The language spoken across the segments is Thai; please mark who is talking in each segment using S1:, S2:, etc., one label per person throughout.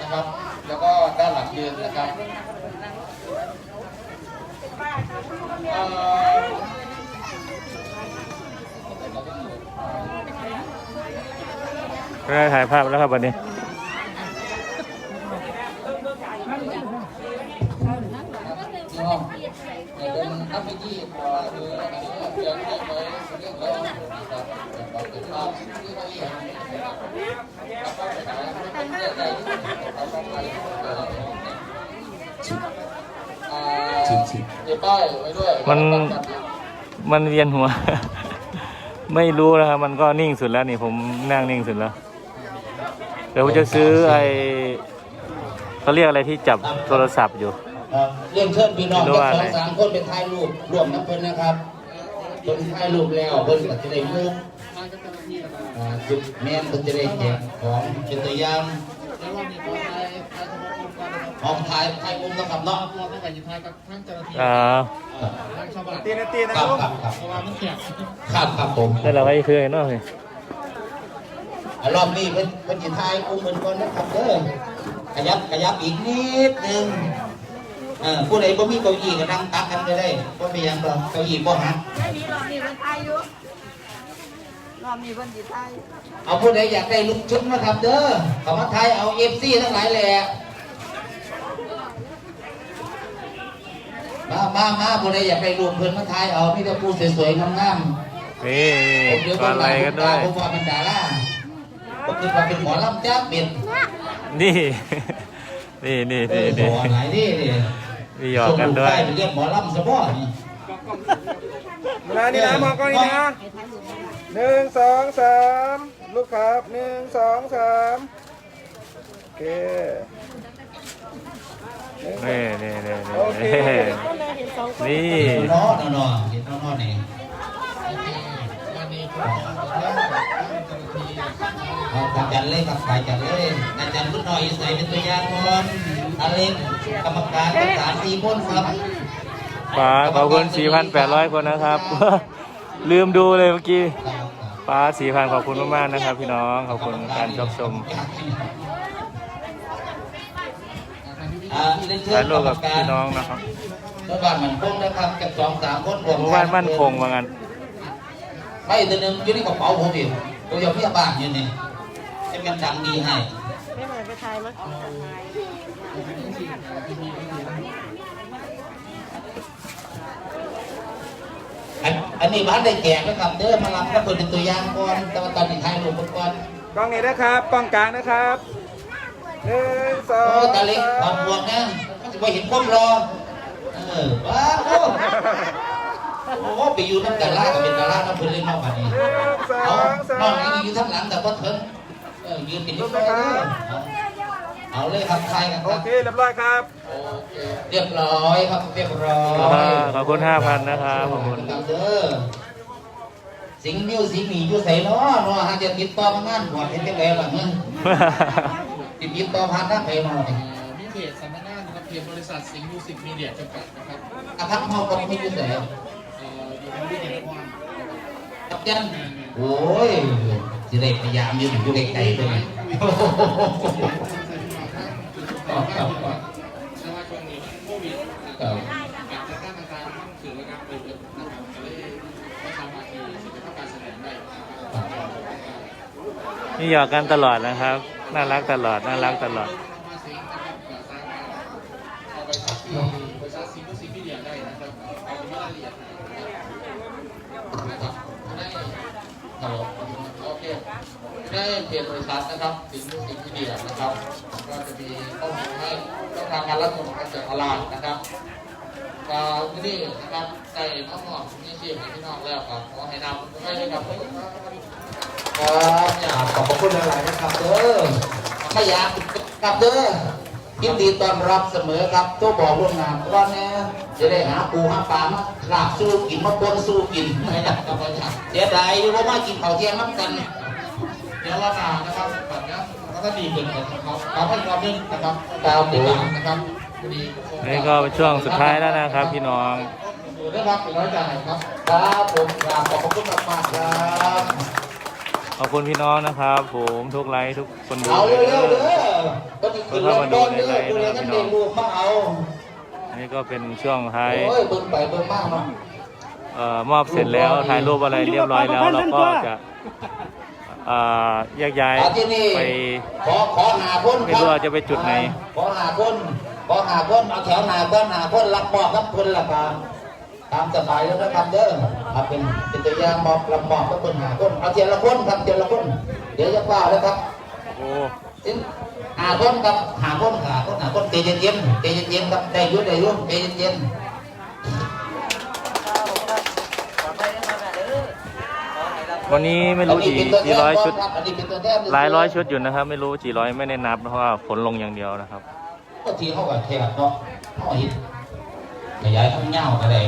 S1: นะครับแล้วก็ด้านหลังยืนนะครับ
S2: ได้ถ่ายภาพแล้วครับวันนี้
S1: เป็นนักวิธีหรือเรื่องไว้เรื่องแล้วนะครับเราติดตามที่เขาเรียกมีป้ายไว้ด้วย
S2: มันเวียนหัว ไม่รู้นะครับมันก็นิ่งสุดแล้วนี่ผมนั่งนิ่งสุดแล้วเดี๋ยวผมจะซื้อเขาเรียกอะไรที่จับโทรศัพท์อยู่
S1: เรียนเชิญพี่น้องทั้ง2-3คนเป็นถ่ายรูปร่วมน้ำเพิ่นนะครับเป็นถ่ายรูปแล้วเพิ่นก็จะได้มุกจุดแม่นเพิ่นจะได้แจกของเป็นตัวอย่างของถ่ายมุมนะครับเนาะ
S2: ตีนะ
S1: ครับครับผม
S2: แล้วเราไปเพื่อนเนาะเลย
S1: รอบนี้เป็นจิตไทยอุ้มเหมือนกันนะครับเด้อขยับอีกนิดนึงผู้ใดบ่มีเก้าอี้ก็นั่งตักกันก็ได้บ่มีหยังหรอกเก้าอี้บ่หัก
S3: ไม่มีรอบนี้เป็นไทยอยู่รอบนี้เป็นจิตไทย
S1: เอาผู้ใดอยากได้ลุกชุดนะครับเด้อเขามาไทยเอา FC ทั้งหลายแหละมาผู้ใดอยากได้รูปเพิ่นมาไทยเอามีแต่ผู้สวยๆงาม
S2: ๆนี่อะไรกันด้วย
S1: ผมว่าเป็นดาราผมคิดว่าเป็นหมอลำจ้าเป็น
S2: นี่
S1: ไหนนี่
S2: มีหยอกกันด้วย
S1: เรียกหมอลำสะบ้อนี่
S4: เวลานี่นะมองกล้องนี่นะ1 2 3ลูกครับ1 2 3โอเค
S2: นี่นี่
S1: น้อเห็นน้อนี่อาจารย์เล่ครับอาจารย์เล่อาจารย์พุทธหน่อยใส่เป็นตัวอย่างก่อนอาเล็กกรรมการ4 คนครับ
S2: ป้าขอบคุณ 4,800 คนนะครับลืมดูเลยเมื่อกี้ป้า 4,000 ขอบคุณมากๆนะครับพี่น้องขอบคุณการรับชมถ่ายรูปกับพี่น้องนะครับ
S1: หมู่บ้านมันคงนะครับกับ2-3 คน
S2: หมู่บ้านมั่นคงว่างั้น
S1: ไม่ตัวนึงอยู่ในกระเป๋าผมเองตัวอย่างพี่บ้านอยู่นี่ให้มันดังดีให้
S3: ไม่เหมือนไปไทยมั้ย
S1: อันนี้บ้านได้แจกนะครับเด้อมารับก็เปิดเป็นตัวอย่างก่อนแต่ว่าตอนนี้ถ่ายรูปก่อน
S4: กล้องนี้นะครับกล้องกลางนะครับ1 2
S1: ตาเล็กถอดหมวกนะมันจะไปเห็นความรอว้าวโอ้ไปอยู่น้ำดารากับเป็นดาราน้ำเพื่อนเล่นนอกบ้านนี้นอกนี้อยู่ทั้งหลังแต่ก็เถิงยืนเป็นยิ้มเอาเลยครับใครกันครับ
S4: โอเคเรียบร้อยครับ
S1: เรียบร้อยครับเรียบร้อย
S2: ขอบคุณ 5,000 นะครับขอบคุณ
S1: เด้อสิงมิวสิงมีอยู่ใส่เนาะหาจะติดต่องานหัวเป็นยังไงล่ะมึงติดต่อผ่านทางไหนเนาะ
S5: มีเพจสำนักงานนะครับเพจบริษัทสิงห์มิวสิกมีเดียจำกัดนะครับ
S1: พักเฮาก็ไม่อยู่ไหน
S5: อยู่ในวิทยาลัย
S1: ครับยันโอ้ยจะได้พยายามอยู่ไกลๆด้วย
S5: แต่ว่าช่วงนี้โควิดการจัดการต่างๆต้องถือว่าการเปิดนะครับก็เลยไม่สามารถที่จะทำการแสดงได้
S2: นี่หยอกกันตลอดนะครับน่ารักตลอด
S5: บริษัทสิงห์มิวสิกมีเดียได้นะครับเอาไปรายละเอียด
S1: โอเคได้เพจบริษัทนะครับสิงห์มิวสิกมีเดียนะครับก็จะมีข้อมูลให้ช่องทางการรับชมการจัดตลาดนะครับที่นี่นะครับใจน้องๆนี่ชื่อพี่น้องแล้วครับขอให้นำให้ด้วยครับอยากขอบคุณหลายๆนะครับเด้อไม่อยากกับเด้อยินดีต้อนรับเสมอครับตัวบอกล่วงหน้าว่าเนี่ยจะได้หาปูหาปลามาลาบสู้กินมาปนสู้กินไม่ได้ครับเสียดายที่ว่ามากินข้าวเที่ยงน้ำกัน
S5: เดี๋ยวเรามานะครับแบบนี้แล้วก็ดีขึ้นนะครับขอให้ความนึงนะครับ
S1: ดาวติด
S5: นะครับ
S2: นี่ก็เป็นช่วงสุดท้ายแล้วนะครับพี่น้อง
S1: ได้รับเป็นร้อยใจครับครับผมขอบคุณมากครับ
S2: ขอบคุณพี่น้องนะครับผมทุกไลค์ทุกคนดู
S1: เอาเร็วๆเด้อก็มีคน
S2: เข้ามาดูในไลน์
S1: ดู
S2: นะ
S1: เลย
S2: ครับ
S1: นั่น
S2: พี่
S1: เด็
S2: น้อก ง
S1: ลูกมาเอา
S2: อันนี้ก็เป็นช่วงท้าย
S1: โอ้ยเบิ่งไปเบิ่งมากเนาะ
S2: มอบเสร็จแล้วถ่ายรูปอะไรเรียบร้อยแล้วเราก็จะแยกย้าย
S1: ที่นี่
S2: ไป
S1: ขอหาคน
S2: ไม่รู้ว่าจะไปจุดไหน
S1: ขอหาคนเอาแถวหนาก็หาคนรับมอบครับคนละกันตามสบายแล้วนะครับเด้อครับเป็นตัวอย่างมอบรับมอบก็คนหาคนเอาเทียละคนครับเทียละคนเดี๋ยวจะกล่าวเลยครับ
S2: โอ้
S1: หาคนครับหาคนใจเย็นๆใจเย็นๆครับได้ยุ่ใจเย็น
S2: วันนี้ไม่
S1: ๆ
S2: รู้กี่ร้อยชุด
S1: อันนี้เป็นตัวแทน
S2: หลายร้อยชุดอยู่นะครับ ไม่รู้กี่ร้อยไม่ได้นับเพราะว่าฝนลงอย่างเดียวนะครับ
S1: ก็ทีเขากับแขกเนาะเขาหินขยายทั้งเงาอะไร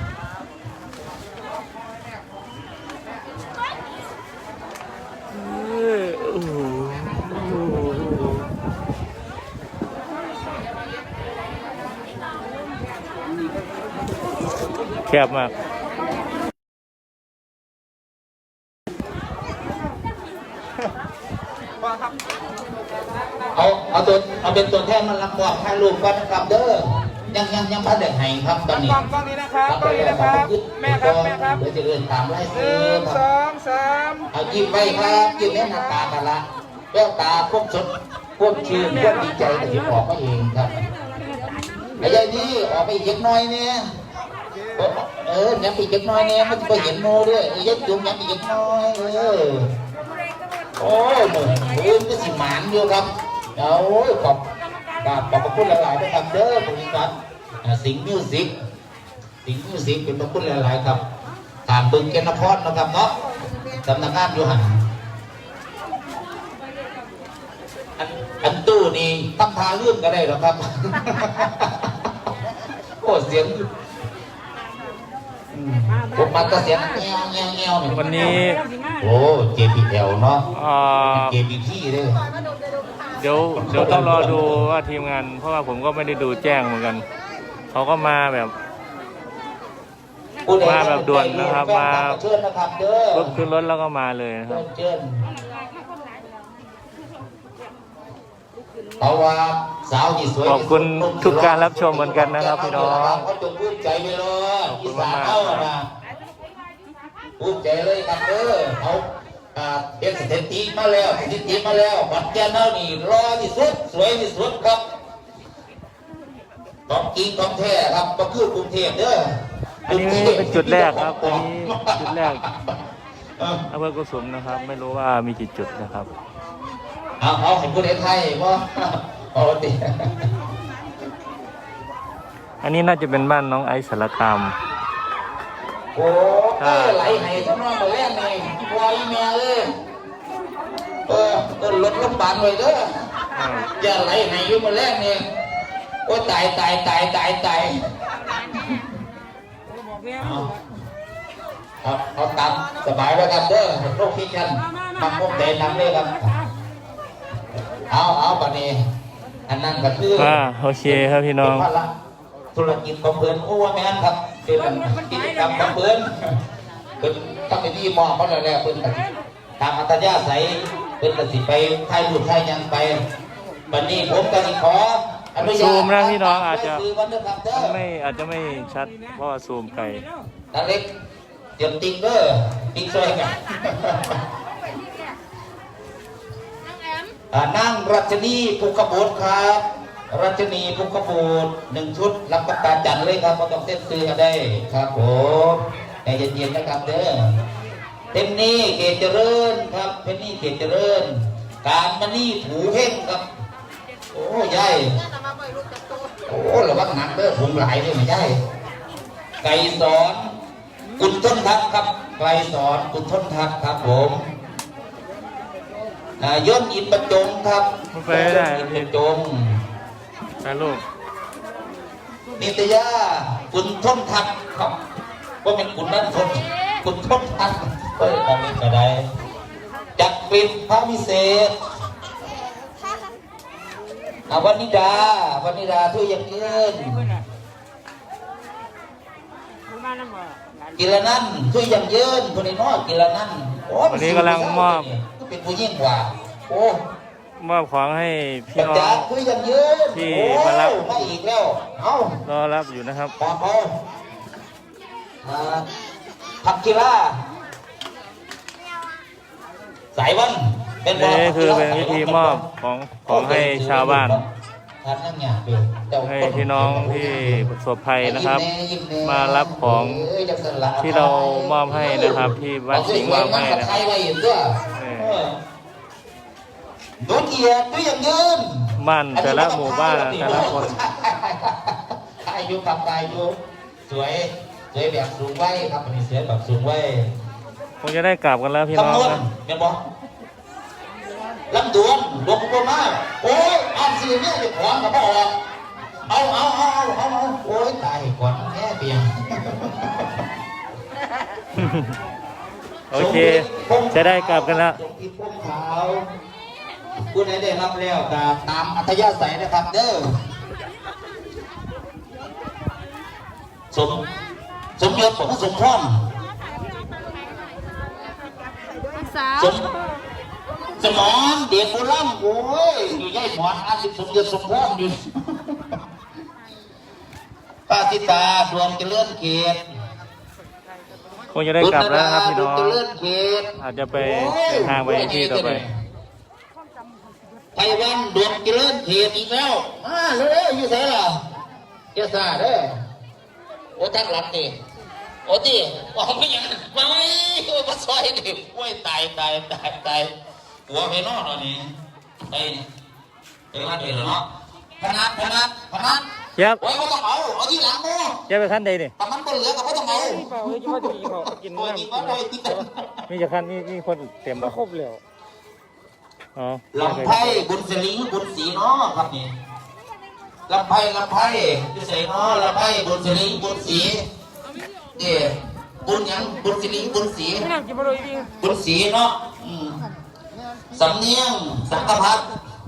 S2: แคบมาก
S1: เอาเป็นตัวแทนมันรับมอบให้ลูกก่อนนะครับเด้อยังพระเด็กให้ครับตอนนี้
S4: กล้องนี้นะครับกล้องนี้นะครับแม่ครับ
S1: เดี๋ยวจะเดินตามไล่
S4: ห
S1: ซื้
S4: นึ่
S1: อง ค
S4: ส
S1: รับ
S4: องสาม
S1: เอายิ้มไว้ครับยิ้มแม่หน้าตากันละแก้วตาพวกสดพวกชื่นพวกดีใจแต่ที่ออกมาเองครับไอ้ยายนี่ออกไปอีกเล็กน้อยเนี่ยยังอีกเล็กน้อยเนี่ยมันจะไปเห็นโมด้วยยัดจุ่มยังอีกเล็กน้อยโอ้ยหนุ่มก็สิหมานอยู่ครับเอาขอบพระคุณหลายๆนะครับเด้อบริษัทสิงห์มิวสิกเป็นพระคุณหลายๆครับถามบึงเกณฑ์นครนะครับเนาะสำนักงานอยู่หันอันตู้นี่ตั้งพาเรื่องก็ได้หรอครับ โอ้เสียงผมมาก็เสียงเงี้ยว
S2: วันนี้
S1: โอ้ JPL เนาะ JPT เลย
S2: เดี๋ยวต้องรอดูว่าทีมงาน เพราะว่าผมก็ไม่ได้ดูแจ้งเหมือนกันเขาก็มาแบบด่วนนะครับมาขึ้นรถแล้วก็มาเลยนะครับ
S1: เพราะว่าสาวที่สวย
S2: ขอบคุณทุกการรับชมเหมือนกันนะครับพี่น้อง
S1: เขาจงภูมิใจไปเลยอีสานเขานะภูมิใจเลยครับเขาเป็นสถิติมาแล้วปัจจัยเท่านี้รอที่สุดสวยที่สุดครับของจริงของแท้ครับก็คือกรุงเทพเด้อ
S2: อันนี้เป็นจุดแรกครับอันนี้จุดแรกอำเภอกุสุมนะครับ ไม่รู้ว่ามีกี่จุดนะครับ
S1: เอาให้พูดไทยว่าปกติ
S2: อันนี้น่าจะเป็นบ้านน้องไอซ์สารคาม
S1: โอ้ไหลให้ทั้งน้องมาแรกนี่วอยแม่เลยก็ลดลงบานเลยเด้อจะไหลให้อยู่มาแรกนี่โอ้ตายเอาตามสบายแล้วครับเด้อโรคที่กันทำพวกเดินนำเลยครับเอาปันนี้อันนั้นก็คือ
S2: โอเคครับพี่น้อง
S1: ธุรกิจของเพื่อนโอ้แม่นครับเป็นกิจกรรมของเพื่อนเป็นตั้งแต่ที่มองเขาแล้วเพื่อนตามอัตยาศัยเพื่อนตัดสินไปไทยหลุดไทยยังไปวันนี้ผมก็ขออนุญาต
S2: ซูมนะพี่น้องอาจจะ
S1: ไม่
S2: อาจจะไม่ชัดเพราะว่าซูมไกล
S1: ตาเล็กเตรียมติ๊กเกอร์ติ๊กช่วยกันนั่งรัชนีภูกระโบดครับรัชนีภูกระโบด1 ชุดรับประทานจันเลยครับมาต้องเต้นซื้อกันได้ครับผมใจเย็นๆนะครับเด้อเต็มนี่เกศเจริญครับเพนนี่เกศเจริญการมานี่ถูเพ่งครับโอ้ยายโอ้ระวังหนักเด้อถุงหลายเลยไม่ใช่ไก่สอนกุณทนทัพครับไก่สอนกุณทนทัพครับผมย่นอินประจงครับ
S2: ไปได้
S1: อินประจง
S2: ถ่ายรูป
S1: นิตยากุณทนทัพครับว่าเป็นกุณนั่นทนกุณทนทัพของนี้ก็ได้จักรปิดพระวิเศษวันนิดาทุยยังยืนกิรนันทุยยังยืนคนนี้น้อยกิรนัน
S2: วันนี้กำลังมอบ
S1: เป็นผู้ยิ่งกว่าโอ้
S2: มอบของให้พี่น้อ
S1: จาก
S2: ง
S1: คุยกันยืน
S2: ที่
S1: โอ้
S2: มารับ
S1: มาอีกแล้วเอา
S2: รอรับอยู่นะครับ
S1: ปอบเอาผักกีฬาสายวันเป็นบ่
S2: นี่คือเป็นวิธีมอบของให้ชาวบ้าน
S1: ทานนั่งหยาบอยู่เจ้า
S2: ให้พี่น้องที่ประสบภัยนะครับ มารับของที่เรามอบให้นะครับ ที่บ้านสิงห์มอบให้นะค
S1: ใค
S2: รั
S1: ร
S2: บ
S1: ไว้อยู่ด้วยดูเกียรติดูอย่างยืน
S2: บ้านแต่ละหมู่บ้านแต่ละคน
S1: อายุกับอายุสวยสวยแบบสูงไว้ครับอันนี้สวยแบบสูงไว้
S2: คงจะได้กลับกันแล้วพี่น้อง
S1: คำนวณ
S2: นะ
S1: เป็นบ่ลำดวนหลวงปู่มาโอ้ยอ่านสื่อเนี่ยจะขวางกับพ่อออกเอาโอ้ยตายก่อนแค่เพียง
S2: โอเค จะได้กลับกันแล้ว
S1: สมคิดพุ่มขาวผู้ใดได้รับแล้วตามอัธยาศัยนะครับเด้อสมยศสมพร
S3: สาว
S1: สมอนเด็กโบราณโอ้ยอยู่ใหญ่หมอน50สมยศสมพรอยู่ป้าสิตาดวงเจริญเขต
S2: คงจะได้กลับแล้วนะครับพี่น้อง
S1: ดวงเจริญเขต
S2: อาจจะไปเดินทางไปที่ต่อไป
S1: ไต้หวันดวงเจริญเขตอีกแล้วมาเร็วๆอยู่ไสล่ะเจ้าซาเด้อโอ้ทั้งหลังนี่โอ้ดิบอกไม่ยังมาไว้โอ้มาซอยดิโอ้ยตายหัวไปนอนตอนนี้ไปมาเถอะเนาะพนัด
S2: เย็บ
S1: โอ้ยเขาต้องเอาที่หลังโม่
S2: เย็บไปขั้นใดนี่
S1: แต่มันเป็นเหลือกับเขาต้องเอา
S4: เปล่าเลยคิดว่าจะมีเขากิน
S1: โอ้ย
S4: น้ำ
S1: กินมาเลยกิน
S2: มีจะขั้นมีคนเต็ม
S4: ก็
S2: บ่
S4: ครบแล้ว
S2: อ๋อ
S1: ลำไพ่บุญสลิงบุญสีเนาะครับนี่ลำไพ่ที่ใส่เนาะลำไพ่บุญสลิงบุญสีนี่บุญหยังบุญสลิงบุญสี
S4: ไม่น่ากินมาเลยจริง
S1: บุญสีเนาะสำเนียงสังกพัด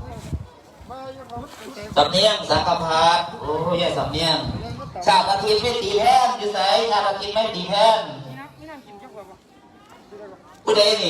S1: สำเนียงสังกพัดโอ้ยสำเนียงชาติอาทิตย์ไม่ตีแพนอยู่ไหนชาติอาทิตย์ไม่ตีแพนผู้ใดนี่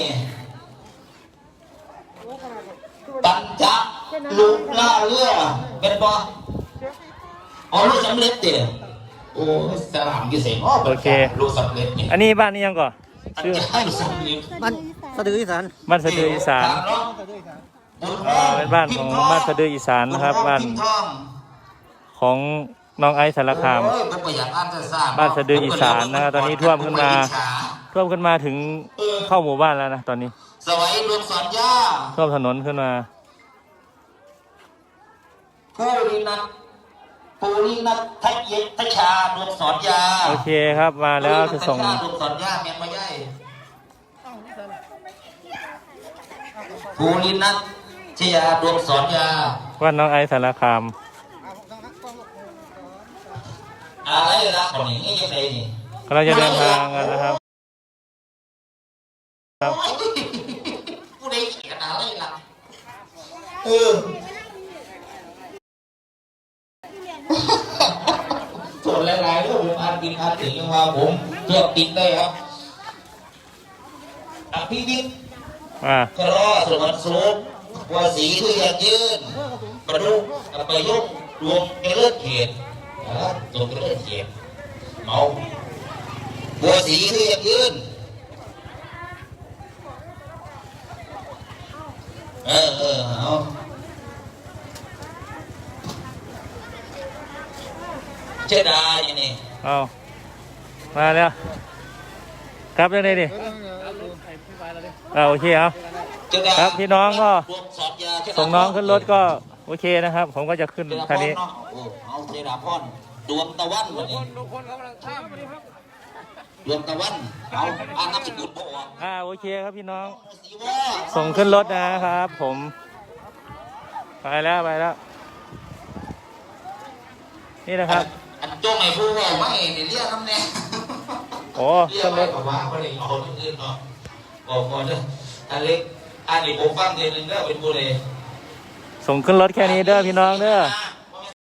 S1: ปัญจลุล่าเรือเป็นบ่อ๋อลูกสำเร็จเตี๋ยโอ้สลามกี่เสียงโอเคลูกสำเร็จนี่
S2: อันนี้บ้านนี้ยังก่อน
S1: ชื่อให้สำเร็จ
S4: มันสะดืออีสาน
S2: บ้านสะดืออีสานเป็นบ้านของบ้านสะดืออีสานนะครับ บ้านของน้องไอซ์สารคาม บ้านสะดืออีสานนะครับตอนนี้ท่วมขึ้นมาถึงเข้าหมู่บ้านแล้วนะตอนนี้
S1: สวัยรวมสอนย่า
S2: ท่วมถนนขึ้นมา
S1: ผู้รินัททัยทชาดวงสอนยา
S2: โอเคครับมาแล้วจะส่ง
S1: ดวงสอนยาเมียนมาใหญ่ผู้รินัทชยาดวงสอนยา
S2: ว่าน้องไอซ์สารคาม
S1: อะไรล่ะคนนี้ยังไงนี่
S2: เราจะเดินทางกันนะครับ
S1: ผู้ใดเขียนอะไรล่ะส่วนหลายๆเรื่องผมอ่านกินอ่านถึงยังว่าผมเทียบติดได้ครับอภิวิทย์ กรอสมันสูงว่าสีคืออยากยืนมาดูไปยกดวงเลือดเขียดดวงเลือดเขียดเมาบัวสีคืออยากยืนเอาเจดาอย่างนี้
S2: เอามาแล้วครับยังไงดิโอเคครับ ครับพี่น้องก็ส่งน้องขึ้นรถก็โอเคนะครับ ผมก็จะขึ้นคันนี้
S1: เอาเจดาพรดวงตะวันวันนี้ดวงตะวันเอาอ่านนามสกุลพ่อ
S2: โอเคครับพี่น้อง
S1: สีว่า
S2: ส่งขึ้นรถนะครับ ผมไปแล้วนี่นะครับ
S1: อันจ้องไอ้ผู้ว่าไม่เรียกน้ำแน่
S2: โอ้
S1: เรีย
S2: ขึ้
S1: ก
S2: นร
S1: ไม่
S2: ถ
S1: กับว่าเขาเลยเอาที่อื่นเนาะบอกก่อนเด้ออันเล็กอันนี้ผมฟังเดือนนึงแล้วเป็นผู้ใด
S2: ส่งขึ้นรถแค่นี้เด้อพี่น้องเด้อ
S1: เ